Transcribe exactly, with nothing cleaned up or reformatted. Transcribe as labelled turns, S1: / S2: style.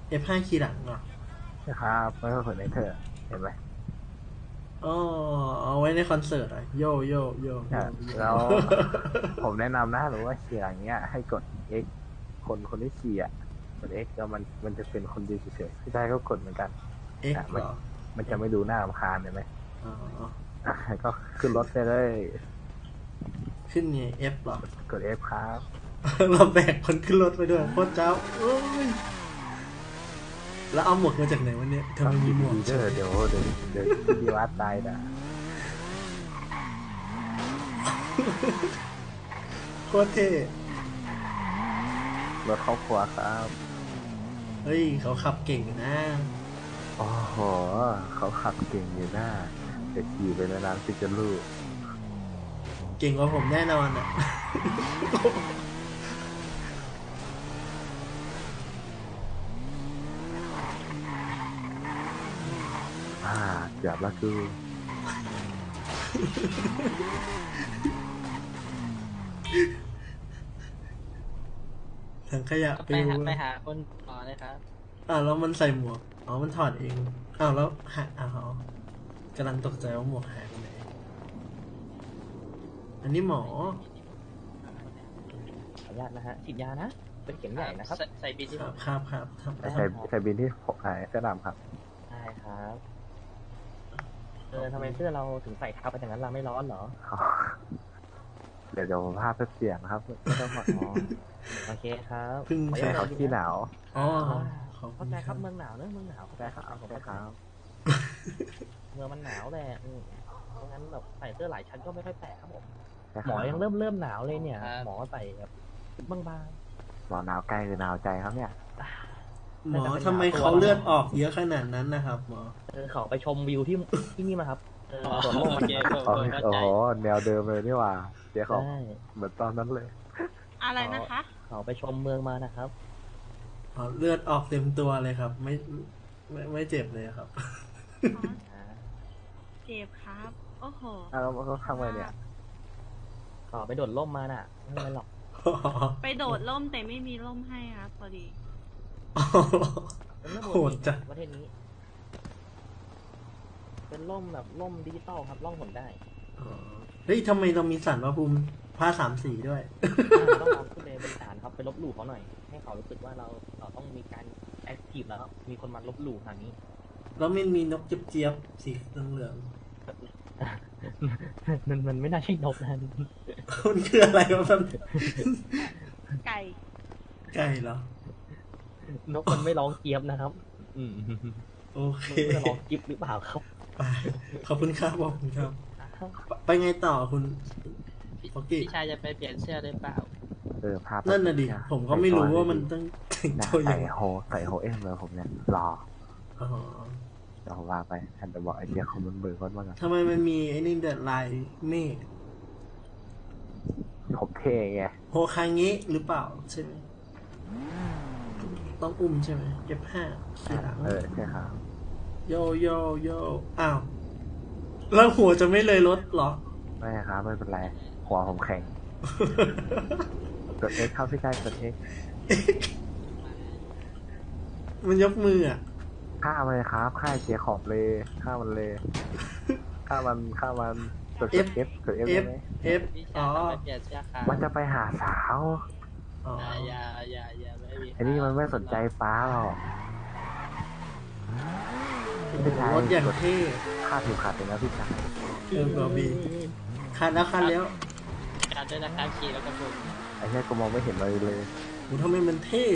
S1: เอฟ ห้า คีย์หลังเหรอ
S2: นะครับไม่ต้องสนใจเธอเห็นไหม
S1: อ๋อเอาไว้ในคอนเสิร์ตอ่ะโยโยโยโยโย
S2: แล้วผมแนะนำนะหรือว่าขี่อย่างเงี้ยให้กด X คนคนที่ขี่อ่ะกด X แล้วมันมันจะเป็นคนดีเฉยๆพี่ชายก็กดเหมือนกันอ่ะ
S1: X เห
S2: มัน
S1: รอ
S2: มันจะไม่ดูหน้ารำคาญเห็นไหม
S1: อ๋อ
S2: อ่ะก็ขึ้นรถไปเลย
S1: ขึ้นไง F เหรอ
S2: กด F ครับ
S1: เราแบกคนขึ้นรถไปด้วยโคตรเจ้าเอ้ยแล้วเอาหมวกมาจากไหนวันนี้ทำไมมีหมวก
S2: เดี๋ยวเดี๋ยวเดี๋ยวเดี๋ยวดีวัดตายนะ
S1: โคตรเท่
S2: รถครอบครัวครับ
S1: เฮ้ยเขาขับเก่งนะ
S2: โอ้โหเขาขับเก่งอยู่หน้าจะขี่ไปนานๆที่จะรู้
S1: เก่งกว่าผมแน่นอนอ่ะ
S2: อ่าเกือบละกู
S1: ถังขยะ
S3: ไป
S1: ปิว
S3: หาไปหาคนต่อเลยครับ
S1: อ้าวแล้วมันใส่หมวกอ๋อมันถอดเองอ้าวแล้วหายอ้าวกำลังตกใจว่าหมวกหายไปไหนอันนี้หมอ
S4: ขออนุญาตนะฮะฉีดยานะเป็นเข็มใหญ่นะครับ
S3: ใส่ใส่บินที่
S1: ครับครับครับครับ
S2: ใส่ใส่บินที่ผมใส่เสื้อดำครับ
S4: ได้ครับเออทำไมเสื้อเราถึงใส่ทับไปอย่างนั้นเราไม่ร้อนเหรอ
S2: เดี๋ยวเดี๋ยวภาพเสียงครับไม่ต้องห่วง
S4: อ๋อโอเคครับ
S1: เพิ่ง
S4: ขออ
S1: ใส่
S4: นุญาต
S2: เขาขี้หนาว
S1: อ๋อขอบคุ
S4: เข้า
S1: ณ
S4: ใจ
S1: ค
S4: ค
S1: รั
S4: รั
S1: บบ
S4: เมืองหนาวเนอะเมืองหนาวเข้าใจ
S2: ได้ค
S4: ค
S2: รั
S4: รั
S2: บบ ได้ครับ
S4: เมืองมันหนาวแหละอืมเพราะงั้นแบบใส่เสื้อหลายชั้นก็ไม่ค่อยแปลกครับผม
S2: ได้
S4: ห
S2: ค
S4: ม
S2: รั
S4: อบ ยังเริ่มเริ่มหนาวเลยเนี่ย หมอใส่แบบบาง
S2: หมอหนาวใกล้หรือหนาวใจครับเนี่ย
S1: หมอทำไมเขาเลือดออกเยอะขนาดนั้นนะครับหมอ
S4: ๆเออเขาไปชมวิวที่ที่นี่มาครับเออ
S3: อ๋อ
S4: สวนโลก
S3: โอ
S4: มา
S3: เค
S4: นะครับ
S3: โอ
S2: โอ้
S3: เคเข้าใจ
S2: โหแนวเดิมเลยนี่หว่าเจ๊เขา
S4: ใช่
S2: เหมือนตอนนั้นเลย
S5: อะไรนะคะ
S4: เขาไปชมเมืองมานะครับ
S1: อ๋อเลือดออกเต็มตัวเลยครับ ไม่ไม่ไม่เจ็บเลยครับ
S5: อ๋อ เจ็บครับ โอ้โห
S2: อ้าวแล้วเขาทำไงเนี่ย
S4: เขาไปโดดร่มมาน่ะไม่เป็นไรหรอก
S5: ไปโดดร่มแต่ไม่มีร่มให้ครับพอดี
S4: เป็นเรื่องป
S1: โห
S4: ก
S1: ด
S4: ติ
S1: จัง
S4: ประเทศนี้ เป็นร่มแบบร่มดิจิตอลครับร่องหนได้
S1: อ๋อเฮ้ยทำไมเรามีสันพระภูมิผ้าสามสีด้วย
S4: อ่าต้องลองขึ้นไปบนศาลครับไปลบหลู่เขาหน่อย ให้เขารู้สึกว่าเราเราต้องมีการแอคทีฟแล้วครับมีคนมาลบหลู่ทางนี้
S1: แล้วมันมีนกเจี๊ยบๆสีเหลือง
S4: มันมันไม่น่าใช่นกนะ
S1: ๆ มันคืออะไรวะมัน
S5: ไก่
S1: ไก่เหรอน
S4: กมันไม่ร้องเจี๊ยบนะครับ อืม
S1: โอเค
S4: มันจะร้องจิ๊บหรือเปล่าครับ
S1: ไปขอบคุณครับขอบคุณครับ ไปไงต่อคุณฟอกกี้
S3: พี่ชายจะไปเปลี่ยนเสื้อหรือเปล่า
S2: เออภาพ
S1: นั่นน่ะดิผมก็ไม่รู้ว่ามันต้องแต่ง
S2: นะ
S1: ตัวยั
S2: ใส่
S1: งไง
S2: โฮใส่โฮเอ็มเลยผมเนี่ยรอ
S1: อ๋อ
S2: เดี๋ยวผมว่าไปแอนจะบอกไอเดียคอมมันเบิร์กว่าไง
S1: ทำไมมันมีไอ้นี่เดอะลายเมฆ
S2: ผมเท่ไง
S1: โฮคาเงะหรือเปล่าใช่ไหมต้องอุ้มใช่ไหมเก็บห้าทีหลัง
S2: เออใช่ครับ
S1: โยโยโยอ้าวแล้วหัวจะไม่เลยรถเหรอ
S2: ไม่ครับไม่เป็นไรหัวผมแข็งกดเอ็กเข้าพี่ชายกดเอ็ก
S1: มันยกมืออ่ะ
S2: ฆ่ามันเลยครับฆ่าเจียขอบเลยฆ่ามันเลยฆ่ามันฆ่ามันกด
S1: F
S2: F กด F ได้
S1: F
S2: ไหม
S1: F
S3: พี่
S1: อ๋
S3: ชา
S1: อย
S3: จะไปเปลี่ยนเสื้อครับ
S2: มันจะไปหาสาว
S1: อ๋อ
S3: อย่าอย่าอย่าไม่มี
S2: ไอ้นี่มันไม่สนใจฟ้าหรอกพี่ชาย
S1: รถอย่างเท่
S2: ฆ่าผิวขัดเลยนะพี่ชาย
S1: เออบอบีคันแล้วคันแล้ว
S3: การด้วยนะครับขี่แล้วก็บุก
S2: ไอ้แค่กูมองไม่เห็นเลยเลย
S1: โหทำไมมันเท่